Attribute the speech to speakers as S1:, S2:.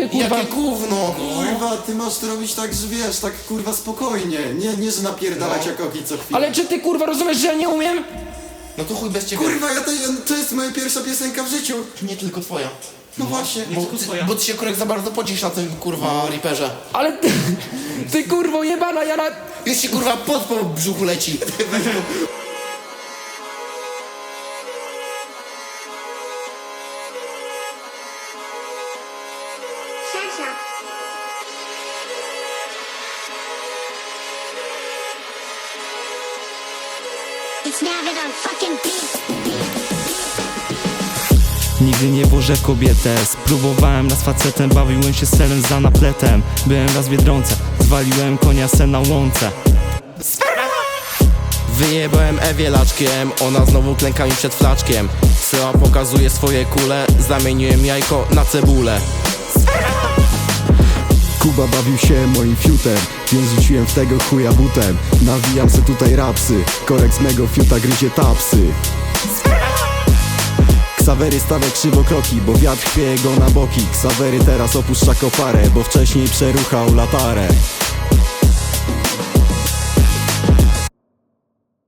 S1: mnie, kurwa.
S2: Jakie gówno!
S3: Kurwa, ty masz to robić tak, że wiesz, tak kurwa spokojnie. Nie, że napierdalać jak oki co chwilę.
S1: Ale czy ty, kurwa, rozumiesz, że ja nie umiem?
S2: No to chuj bez ciebie.
S3: Kurwa, to jest moja pierwsza piosenka w życiu.
S2: Nie tylko twoja.
S3: No właśnie.
S2: Bo ty się Kurek za bardzo pocisz na tym kurwa Reaperze.
S1: Ale ty kurwo jebana, ja na...
S2: Już ci kurwa pot po brzuchu leci.
S4: It's now that I'm fucking beat.
S5: Nigdy nie włożę w kobietę. Spróbowałem raz facetem, bawiłem się selem za napletem. Byłem raz w Biedronce, zwaliłem konia se na łące.
S2: Wyjebałem Ewie laczkiem, ona znowu klęka mi przed flaczkiem. Syła pokazuje swoje kule, zamieniłem jajko na cebulę.
S6: Kuba bawił się moim fiutem, więc rzuciłem w tego chuja butem. Nawijam se tutaj rapsy, korek z mego fiuta gryzie tapsy. Ksawery stawia krzywokroki, bo wiatr chwieje go na boki. Ksawery teraz opuszcza koparę, bo wcześniej przeruchał latarę.